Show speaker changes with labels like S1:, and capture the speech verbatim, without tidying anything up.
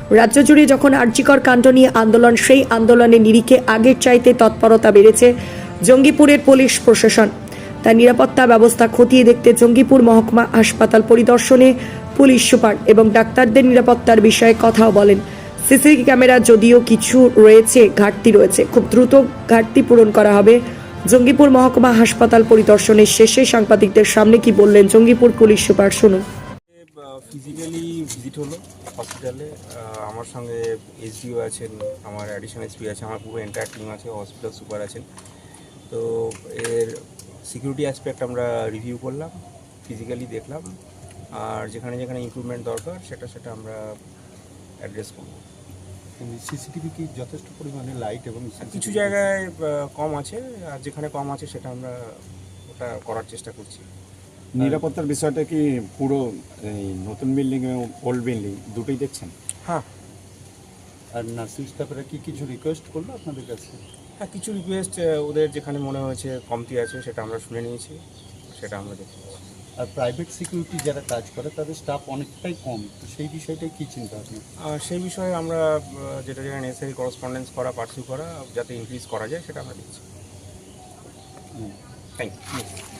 S1: রাজ্য জুড়ে যখন আরজিকর কাণ্ড নিয়ে আন্দোলন, সেই আন্দোলনের নিরিখে আগের চাইতে তৎপরতা বেড়েছে জঙ্গিপুরের পুলিশ প্রশাসন। তার নিরাপত্তা ব্যবস্থা খতিয়ে দেখতে জঙ্গিপুর মহকুমা হাসপাতাল পরিদর্শনে পুলিশ সুপার এবং ডাক্তারদের নিরাপত্তার বিষয়ে কথাও বলেন। সিসিটিভি ক্যামেরা যদিও কিছু রয়েছে, ঘাটতি রয়েছে, খুব দ্রুত ঘাটতি পূরণ করা হবে। জঙ্গিপুর মহকুমা হাসপাতাল পরিদর্শনের শেষে সাংবাদিকদের সামনে কি বললেন জঙ্গিপুর পুলিশ সুপার, শুনুন।
S2: ফিজিক্যালি ভিজিট হলো হসপিটালে। আমার সঙ্গে এসডিও আছেন, আমার অ্যাডিশনাল এসপি আছে, আমার পুরো এন্টায়ার টিম আছে, হসপিটাল সুপার আছেন। তো এর সিকিউরিটি অ্যাসপেক্ট আমরা রিভিউ করলাম, ফিজিক্যালি দেখলাম, আর যেখানে যেখানে ইমপ্রুভমেন্ট দরকার সেটা সেটা আমরা অ্যাড্রেস করব।
S3: সিসিটিভি কি যথেষ্ট পরিমাণে লাইট এবং
S2: কিছু জায়গায় কম আছে, আর যেখানে কম আছে সেটা আমরা ওটা করার চেষ্টা করছি।
S3: নিরাপত্তার বিষয়টা কি পুরো এই নতুন বিল্ডিং এবং ওল্ড বিল্ডিং দুটোই দেখছেন?
S2: হ্যাঁ।
S3: আর নার্সিং স্টাফেরা কি কিছু রিকোয়েস্ট করলো আপনাদের কাছে?
S2: হ্যাঁ, কিছু রিকোয়েস্ট ওদের যেখানে মনে হয়েছে কমতি আছে সেটা আমরা শুনে নিয়েছি, সেটা আমরা দেখছি।
S3: আর প্রাইভেট সিকিউরিটি যারা কাজ করে তাদের স্টাফ অনেকটাই কম, তো সেই বিষয়টাই কী চিন্তা আপনার?
S2: আর সেই বিষয়ে আমরা যেটা যেটা নেসেসারি করসপন্ডেন্স করা, পার্সিউ করা, যাতে ইনক্রিজ করা যায় সেটা আমরা দেখছি। Thank you.